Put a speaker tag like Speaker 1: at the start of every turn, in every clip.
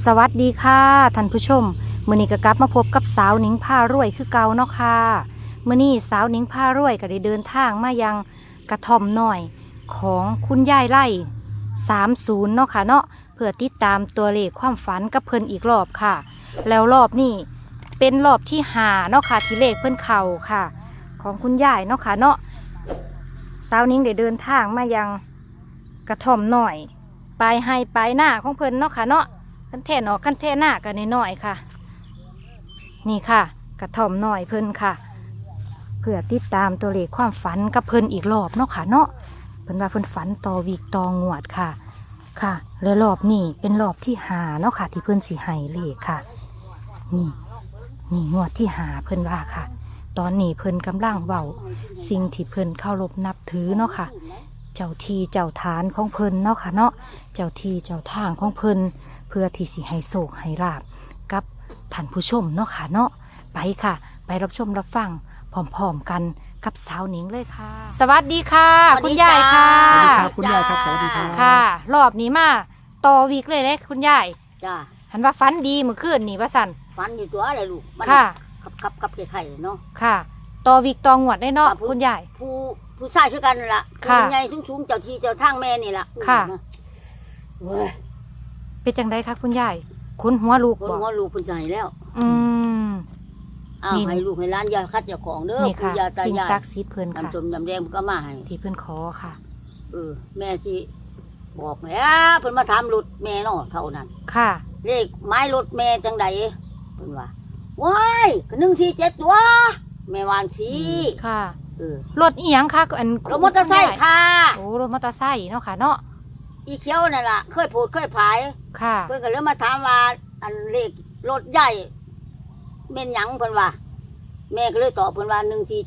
Speaker 1: สวัสดีค่ะท่านผู้ชมมื้อนี้ก็กลับมาพบกับสาวหนิงพารวยคือเก่าเนาะค่ะมื้อนี้สาวหนิงพารวยก็ได้เดินทางมายังกระท่อมน้อยของคุณยายไร่30เนาะค่ะเนาะเพื่อติดตามตัวเลขความฝันกับเพิ่นอีกรอบค่ะแล้วรอบนี้เป็นรอบที่5เนาะค่ะที่เลขเพิ่นเข้าค่ะของคุณยายเนาะค่ะเนาะสาวหนิงได้เดินทางมายังกระท่อมน้อยปลายให้ปลายหน้าของเพิ่นเนาะค่ะเนาะกันแท่นอกกันแท่หน้ากันน้อยๆค่ะนี่ค่ะกระท่อมน้อยเพิ่นค่ะเพื่อติดตามตัวเลขความฝันกับเพิ่นอีกรอบเนาะค่ะเนาะเพิ่นว่าเพิ่นฝันต่อวีกต่องวดค่ะค่ะแล้วรอบนี้เป็นรอบที่5เนาะค่ะที่เพิ่นสิให้เลขค่ะนี่งวดที่5เพิ่นว่าค่ะตอนนี้เพิ่นกำลังเว้าสิ่งที่เพิ่นเคารพนับถือเนาะค่ะเจ้าที่เจ้าทานของเพิ่นเนาะค่ะเนาะเจ้าที่เจ้าทางของเพิ่นเพื่อที่สิให้โศกให้ลาบกับท่านผู้ชมเนาะค่ะเนาะไปค่ะไปรับชมรับฟังพร้อมๆกันกับสาวหนิงเลยค่ะสวัสดีค่ะคุณยายค่ะ
Speaker 2: สวัสดีครับคุณยายครับสวัสดีครับ
Speaker 1: ค่ะรอบนี้มาต่อวีกเลยเลยคุณยาย
Speaker 3: จ้า
Speaker 1: หันว่าฝันดีเมื่อคืนนี่ว่าสัน
Speaker 3: ฟันอยู่ตัวอะไรลูกมัน
Speaker 1: ค่ะ
Speaker 3: ขับไข่เนาะ
Speaker 1: ค่ะต่อวีกต่องวดได้เนาะ
Speaker 3: ค่ะ
Speaker 1: คุณยาย
Speaker 3: ผู้ชายคือกันนั่นล่ะ
Speaker 1: ค่ะ
Speaker 3: ผู้ใหญ่สูงๆเจ้าที่เจ้าทางแม่นี่ล่ะ
Speaker 1: ค่ะ
Speaker 3: เว้ย
Speaker 1: เป็นจังไดคะคุณยายคุณหัวลูก
Speaker 3: คน
Speaker 1: บอก
Speaker 3: หัวลูกคนใส่แล้ว
Speaker 1: อืม
Speaker 3: อ้าว
Speaker 1: นี่
Speaker 3: ให้ลูกให้ร้านยาคัดยาของเด้อ
Speaker 1: นี่
Speaker 3: คุณ
Speaker 1: ค่ะ
Speaker 3: ยาตา
Speaker 1: สิ่ง
Speaker 3: ยาย
Speaker 1: ศักดิ์สิทธิ์เพิ่นค่ะ
Speaker 3: น้ำจมน้ำแดงก็มาให้
Speaker 1: ที่เพิ่นขอค่ะ
Speaker 3: แม่สิบอกแล้วเพิ่นมาถามรถแม่เนาะเท่านั้น
Speaker 1: ค่ะ
Speaker 3: เลขไม้รถแม่จังใดเพิ่นว่าว้ายก็147ตัวแม่วางสี
Speaker 1: ค่ะ
Speaker 3: เออ
Speaker 1: รถอีหยังคะอัน
Speaker 3: รถมอเตอร์ไซค์ค่ะ
Speaker 1: โอ้รถมอเตอร์ไซค์เนาะค่ะเนาะ
Speaker 3: อีเขียวนั่นล่ะเคยพูดเคยผาย
Speaker 1: ค่ะ
Speaker 3: เพิ่นก็เลยมาถามว่าอันเลขรถใหญ่เม่นหยังเพิ่นว่า แม่ก็เลยตอบเพิ่นว่า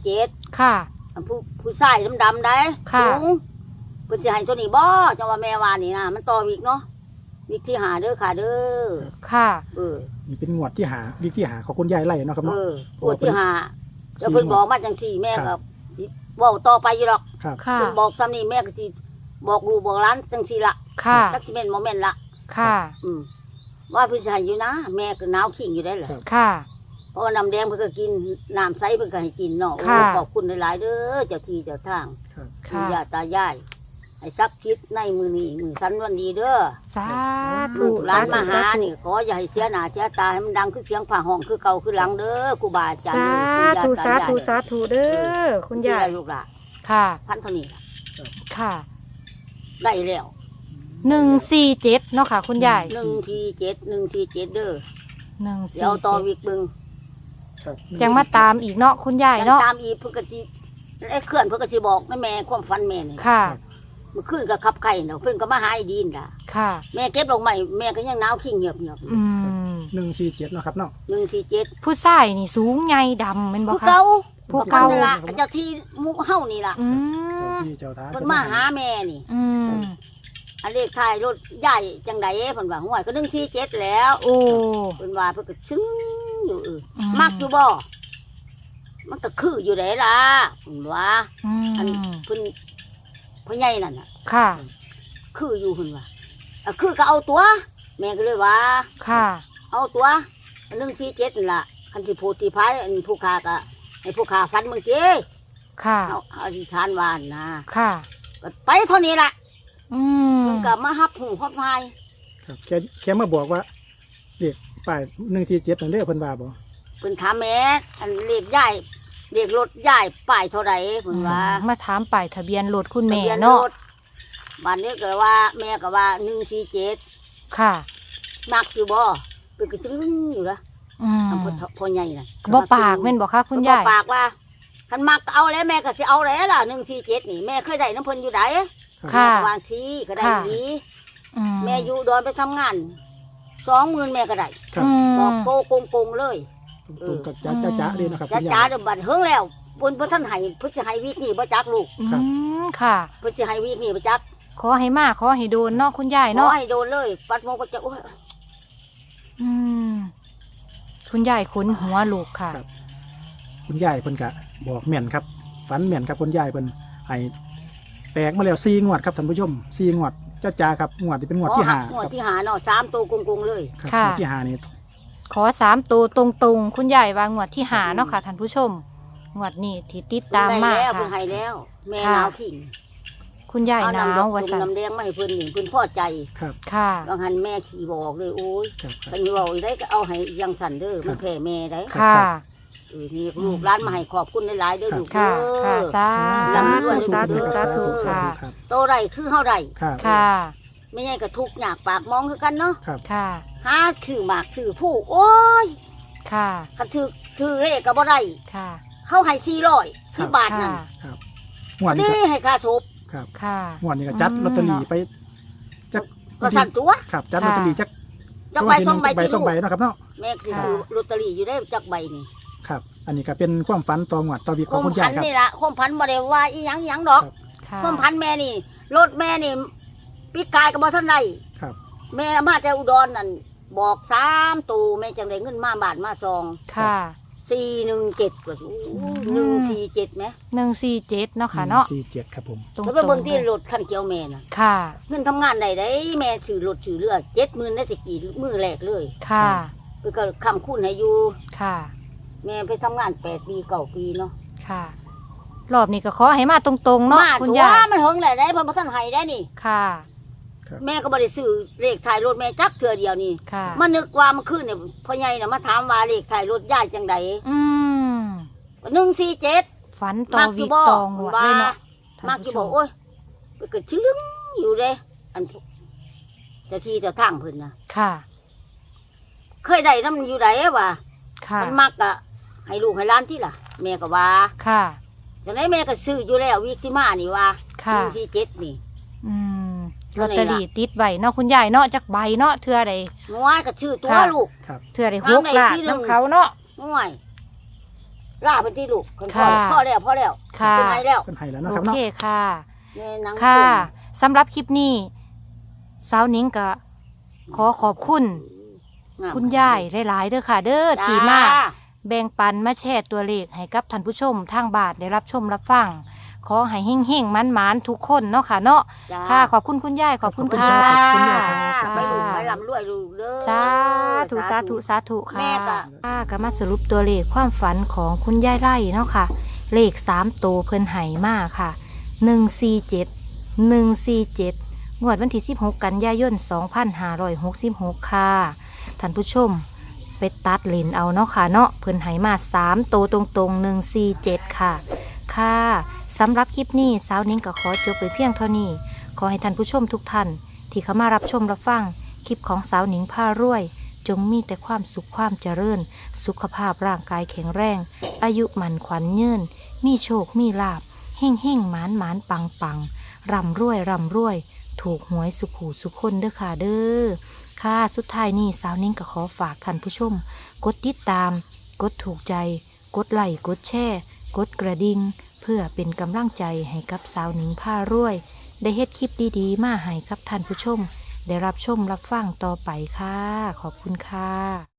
Speaker 3: 147
Speaker 1: ค่ะ
Speaker 3: อันผู้ชายดำๆได้
Speaker 1: ค่ะ
Speaker 3: สูงเพิ่นสิให้ตัวนี้บ่จังว่าแม่ว่านี่นะมันต่ออีกเนาะวิกที่หาเด้อค่ะเด้อ
Speaker 1: ค่ะ
Speaker 2: นี่เป็นงวดที่หาวิกที่หาของคุณยายไล่เนาะครับเนาะ
Speaker 3: ปวดที่หาแล้วเพิ่นบอกมาจังซี่แม่
Speaker 2: ครั
Speaker 3: ก็
Speaker 2: บ
Speaker 3: เว้าต่อไปอยู่ดอก
Speaker 2: ครับ
Speaker 1: ค่ะ
Speaker 3: เพิ่นบอกซ้ำนี่แม่ก็สิบอกลูกบอกหลานจังซี่ละ
Speaker 1: ค่ะ
Speaker 3: จักสิแม่นบ่แม่นละ
Speaker 1: ค่ะ
Speaker 3: ว่าเพิ่นสิให้อยู่นะ แม่ก็หนาวขิงอยู่ได้แหละ
Speaker 1: ค่ะ
Speaker 3: เพราะว่าน้ำแดงเพิ่นก็กินน้ำใสเพิ่นก็ให้กินเนาะโอ้
Speaker 1: ค่ะ
Speaker 3: ขอบคุณหลายๆเด้อเจ้าที่เจ้าทาง
Speaker 2: ครับ
Speaker 3: ปู่
Speaker 1: ค่ะ
Speaker 3: ย่าตายายให้ทรัพย์คิดในมือนี้มือสันวันดีเด้อ
Speaker 1: สาธุ
Speaker 3: ลูกหลานมาหา
Speaker 1: สธุ
Speaker 3: นี่ขออย่าให้เสียหน้าเสียตาให้มันดังคือเสียงผ่าห้องคือเก่าคือหลังเด้อครูบาอาจารย์
Speaker 1: สา
Speaker 3: เด้อปู่
Speaker 1: ธุ
Speaker 3: ย่
Speaker 1: สาธุ
Speaker 3: ตยย
Speaker 1: สาธุเด้อคุณยาย
Speaker 3: ลูกหลาน
Speaker 1: ค่ะ
Speaker 3: พันเท่านี้ล่ะ
Speaker 1: ค่ะ
Speaker 3: ได้แล้ว
Speaker 1: 147เนาะค่ะ คุณยาย
Speaker 3: 147เด้อ
Speaker 1: 147
Speaker 3: เดี๋ยวต่อวิกเบิ่ง
Speaker 2: ครับ
Speaker 1: ยังมาตามอีกเนาะคุณยาย
Speaker 3: ยัง
Speaker 1: เนาะ
Speaker 3: ตามอีกเพิ่นก็สิไอ้เคลื่อนเพิ่นก็สิบอกแม่ความฝันแม่นี่
Speaker 1: ค่ะ
Speaker 3: เมื่อคืนก็ขับไข่เนาะเพิ่นก็มาหาไอ้ดีนล่ะ
Speaker 1: ค่ะ
Speaker 3: แม่เก็บดอกไม้แม่ก็ยังหนาวขิงเงียบ
Speaker 1: อืม
Speaker 2: 147เนาะครับเนาะ
Speaker 3: 147
Speaker 1: ผู้ชายนี่สูงใหญ่ดำเป็นบ่
Speaker 3: ผู้
Speaker 1: คะ
Speaker 3: เก่า
Speaker 1: ผู้เก่า
Speaker 3: นั่นล่ะเจ้าที่หมุเฮานี่ล่ะ
Speaker 1: อื
Speaker 2: เจ้าม ที่เจ้าทาง
Speaker 3: เพิ่นมาหาแม่นี่
Speaker 1: อืม
Speaker 3: อันเลขท้ายรถใหญ่จังไดเพิ่นว่าห่วยก็147แล้ว
Speaker 1: โอ้
Speaker 3: เพิ่นว่าเพิ่นก็ซึ้งอยู่
Speaker 1: อื
Speaker 3: มักอยู่บ่มันก็คืออยู่ได้ล่ะเพิ่นว่า
Speaker 1: อื
Speaker 3: อัน
Speaker 1: ม
Speaker 3: เพิ่นพ่อใหญ่นั่นน่ะ
Speaker 1: ค่ะ
Speaker 3: คืออยู่เพิ่นว่าคือก็เอาตัว แม่ก็เลยว่า
Speaker 1: ค่ะ
Speaker 3: เอาตัว147นั่นล่ะคันสิพูดที่พายอันผู้ค้าก็ให้ผู้ค้าฟันมึงติ
Speaker 1: ค่ะ
Speaker 3: เอาอธิษฐานว่าหั่นนะ
Speaker 1: ค่ะ
Speaker 3: ก็ไปเท่านี้ล่ะ
Speaker 1: อืม
Speaker 3: เพิ่นก็มาฮับหูฮับพาย
Speaker 2: ครับแค่มาบอกว่าเลขป้าย147นั่นเด้อเพิ่นว่าบ่
Speaker 3: เพิ่นถามแม่อันเลขใหญ่เลขรถใหญ่ป้ายเท่าไหร่เพิ่นว่า
Speaker 1: มาถามป้ายทะเบียนรถคุณแม่
Speaker 3: ทะบีย
Speaker 1: เนาะ
Speaker 3: รถบ้านนี้ก็ว่าแม่ก็ว่า147
Speaker 1: ค่ะ
Speaker 3: มักอยู่บ่เพิ่นก็ซึ้งอยู่ละ
Speaker 1: อืม
Speaker 3: อำเภอพ่อใหญ่น่ะ
Speaker 1: บ่ปากแม่นบ่คะคุณยาย
Speaker 3: บ่ปากว่าคันมักก็เอาแล้วแม่ก็สิเอาแล้วล่ะ147นี่แม่เคยได้น้ำเพิ่นอยู่ได
Speaker 1: ค่ะ
Speaker 3: แม่ก็วางซีก็ได้ดี
Speaker 1: อื
Speaker 3: แม่อยู่ดอนไปทำงาน20,000แม่ก็ได้
Speaker 2: ครับ
Speaker 3: บอกโกโกงเลย
Speaker 2: ตรงๆกับจ้าๆเลยเนาะครับ
Speaker 3: จ้า
Speaker 2: คุณ
Speaker 3: จ้าย
Speaker 2: าย
Speaker 3: เดี๋ยวบัดเฮิงแล้วเพิ่นท่านให้เพิ่นสิให้วีคนี้บ่จักลูก
Speaker 1: อื
Speaker 2: ครับ
Speaker 1: มค่ะ
Speaker 3: เพิ่นสิให้วีคนี้บ่จัก
Speaker 1: ขอให้มาขอให้โดนเนาะคุณยาย
Speaker 3: ขอ
Speaker 1: เนาะ
Speaker 3: ให้โดนเลยปัดโมก็จะโอ้ย
Speaker 1: อืมคุณยายขนหัวลูกค่ะ
Speaker 2: ครับ คุณยายเพิ่นก็บอกแม่นครับฝันแม่นครับคุณยายเพิ่นให้แตกมาแล้ว4งวดครับท่านผู้ชม4งวดจ้าครับงวดที่เป็นงวดที่ห้าง
Speaker 3: วดที่หาเนาะ3ตัวกงๆเลย
Speaker 2: ครับ
Speaker 1: ค่ะ
Speaker 2: งวดที่ห้านี่
Speaker 1: ขอ3ตัวตรงๆ คุณยายว่างวดที่หาเนาะค่ะท่านผู้ชมงวดนี้ที่ติดตามมา
Speaker 3: แล้ว
Speaker 1: ค่ะ
Speaker 3: เพิ่นให้แล้ว แม่
Speaker 1: ค่ะ
Speaker 3: หนาวขิง
Speaker 1: คุณยาย
Speaker 3: เอา
Speaker 1: หนาว
Speaker 3: น้ำดอก
Speaker 1: ว่า
Speaker 3: จุ่ม
Speaker 1: ซั่น
Speaker 3: น้ำแดงมาให้เพิ่นนี่เพิ่นพอใจ
Speaker 2: ครับ
Speaker 1: ค่ะ
Speaker 3: บางหันแม่ขี่บอกเลยโอ้ย
Speaker 2: ครับครั
Speaker 3: คั
Speaker 2: บ
Speaker 3: นเว้าอีได้ก็เอาให้อยังสั่นเด้อมันแพ้แม่ได้
Speaker 1: ค่ะ
Speaker 3: นี่ลูกร้านมาให้ขอบคุณหลายๆเด้อลูก
Speaker 1: ค่ะ
Speaker 3: เด้
Speaker 1: ค่ะ
Speaker 3: อ
Speaker 1: สา
Speaker 3: สาธุ
Speaker 1: ธุสาธุ
Speaker 3: สา
Speaker 1: สา
Speaker 3: ธุ
Speaker 1: ธุ
Speaker 2: สา
Speaker 1: ค่ะ
Speaker 2: ธุครับ
Speaker 3: โตไรคือเฮาไร
Speaker 2: ครับ
Speaker 1: ค่ะ
Speaker 3: ไม่ใช่ก็ทุกข์ยากปากมองคือกันเนาะ
Speaker 2: ครับ
Speaker 1: ค่ะ
Speaker 3: หาชื่อหมากชื่อผู้โอ้ย
Speaker 1: ค่ะ
Speaker 3: คันถือเลขก็บ่ได้
Speaker 1: ค่ะ
Speaker 3: เขาให้400ที่บาทนั่น
Speaker 1: ค่ะ
Speaker 2: ครับงวดนี้
Speaker 3: นี่
Speaker 2: ก็
Speaker 3: ให้ค่าศพ
Speaker 2: ครับ
Speaker 1: ค่ะ
Speaker 2: งวดนี้ก็จัดลอตเตอรี่ไปจัก
Speaker 3: ก็สั่นตัว
Speaker 2: ครับจัดลอตเตอรี่จัก
Speaker 3: จักใบสองใบ
Speaker 2: ใบสองใบเนาะครับเนาะ
Speaker 3: แม่คือซื้อลอตเตอรี่อยู่ได้จักใบนี่
Speaker 2: ครับ อันนี้ก็เป็นความฝันต่องวดต่อวิก
Speaker 3: ค
Speaker 2: ของ
Speaker 3: ม
Speaker 2: คุณ
Speaker 3: พั
Speaker 2: ยาย
Speaker 3: น
Speaker 2: ครับ
Speaker 3: นี่ล่ะคมพันบ่ได้ว่าอีหยังดอก
Speaker 1: ค่ะ
Speaker 3: คมพันแม่นี่รถแม่นี่ปีกายก็บ่ทันได้
Speaker 2: ครับ
Speaker 3: แม่มาแต่อุดรนั่นบอก3ตูแม่จังได้เงินมาบาทมาซอง
Speaker 1: ค่ะ
Speaker 3: 417ก็147แหม
Speaker 1: 147เนาะค่ะเนาะ
Speaker 2: 47ครับผม
Speaker 1: ตรง
Speaker 3: แล้ว
Speaker 1: ๆ
Speaker 3: ไปเบิ่งที่รถคันเขียวแม่น่ะ
Speaker 1: ค่ะ
Speaker 3: เงินทำงานได้ได้แม่ซื้อรถซื้อเรือ70,000ได้ตะกี้มือแรกเลย
Speaker 1: ค่ะ
Speaker 3: เพิ่นก็คำคุณให้อยู่
Speaker 1: ค่ะ
Speaker 3: แม่ไปทำงาน8 ปี9 ปีเนาะ
Speaker 1: ค่ะ รอบนี้ก็ขอให้มาตรงๆเนาะ
Speaker 3: มา
Speaker 1: คุณ
Speaker 3: ตัว
Speaker 1: ยาย
Speaker 3: มันเฮิงได้เพิ่นบ่ทันให้ได้นี่
Speaker 1: ค่ะ
Speaker 3: แม่ก็บ่ได้ซื้อเลขท้ายรถแม่จักเทื่อเดียวนี่
Speaker 1: ค่ะ
Speaker 3: มานึกว่ามันขึ้นเนี่ยพ่อใหญ่น่ะมาถามว่าเลขท้ายรถยายจังได
Speaker 1: อืม
Speaker 3: 147
Speaker 1: ฝันต่อวิกตองหวดเลยเนาะท่าน
Speaker 3: มากอยู่
Speaker 1: ผู้ช
Speaker 3: บ่โอ้ยไปเกิดชึลึงอยู่เด้อันเจ้าที่เจ้าทางเพิ่นน่ะ
Speaker 1: ค่ะ
Speaker 3: เคยได้นำอยู่ไดว่า
Speaker 1: ค่ะ
Speaker 3: มันมักอะให้ลูกให้หล้านที่ล่ะ แม่ก็ว่า
Speaker 1: ค่ะ
Speaker 3: จังไดแม่ก็ซื้ออยู่แล้ววิกสิมานี่ว่า
Speaker 1: ค่ะ
Speaker 3: 147นี่
Speaker 1: อืมล
Speaker 3: เท่า
Speaker 1: อต
Speaker 3: ไหร่
Speaker 1: เตอ
Speaker 3: ล่ะ
Speaker 1: รี่ติดใบเนาะคุณยายเนาะจักใบเนาะเทื่อใด
Speaker 3: น้อยก็ชื่อตัว
Speaker 1: ค่ะ
Speaker 3: ลูก
Speaker 2: ครับ
Speaker 1: เทื่อใด
Speaker 3: ตาม
Speaker 1: 6
Speaker 3: ใน
Speaker 1: ล้าน
Speaker 3: ที่หนึ่ง
Speaker 1: น้ำเขาเนาะ
Speaker 3: น้อยล่าเป็นที่ลูกคนพ่อ
Speaker 1: ค่ะ
Speaker 3: พ่อแล้วพ่อแล้ว
Speaker 1: ค่ะ
Speaker 3: เป็นไงแล้ว
Speaker 2: เป็นไห้แล้วเนาะ
Speaker 1: โอ
Speaker 2: ครับ
Speaker 1: เค
Speaker 2: เนาะ
Speaker 1: ค่ะ
Speaker 3: ในหนัง
Speaker 1: ค่ะ
Speaker 3: ตุ่ม
Speaker 1: สำหรับคลิปนี้สาวหนิงก็ขอขอบคุณ
Speaker 3: งาม
Speaker 1: คุณยายหลายๆเด้อค่ะ เด้อ
Speaker 3: จ้
Speaker 1: ที่มาแบ่งปันมาแชร์ตัวเลขให้กับท่านผู้ชมทางบ้านได้รับชมรับฟังขอให้เฮงๆมันๆทุกคนเนาะค่ะเนาะ
Speaker 3: จ้า
Speaker 1: ค่ะ ขอบคุณคุณยายขอบคุณ
Speaker 3: ขอบ
Speaker 1: ค่ะ
Speaker 2: ขอบคุณยายครับ
Speaker 3: ไปลูกไปลำรวยลูกเด้อ
Speaker 1: สาธุสาธุสาธุค่ะ
Speaker 3: แม่ก็
Speaker 1: ค่ะก็มาสรุปตัวเลขความฝันของคุณยายไร่เนาะค่ะ เลข3ตัวเพิ่นไห่มากค่ะ147งวดวันที่16 กันยายน 2566 ค่ะท่านผู้ชมไปตัดเลนเอาเนาะค่ะเนาะเพิ่นไห่มา3ตัวตรงๆ147ค่ะค่ะสำหรับคลิปนี้สาวนิ้งก็ขอจบไปเพียงเท่านี้ขอให้ท่านผู้ชมทุกท่านที่เข้ามารับชมรับฟังคลิปของสาวนิ้งพารวย จงมีแต่ความสุขความเจริญ สุขภาพร่างกายแข็งแรง อายุหมันขวัญยืนมีโชคมีลาบเฮ่งเฮ่งหมานหมานปังปังร่ำรวยร่ำรวย ถูกหวยสุขหูสุขคนเด้อค่ะเด้อค่ะสุดท้ายนี้สาวนิ้งก็ขอฝากท่านผู้ชม กดติดตาม กดถูกใจ กดไลค์กดแชร์กดกระดิ่งเพื่อเป็นกำลังใจให้กับสาวนิ้งผ้ารวย ได้เฮ็ดคลิปดีๆมาให้กับท่านผู้ชม ได้รับชมรับฟังต่อไปค่ะ ขอบคุณค่ะ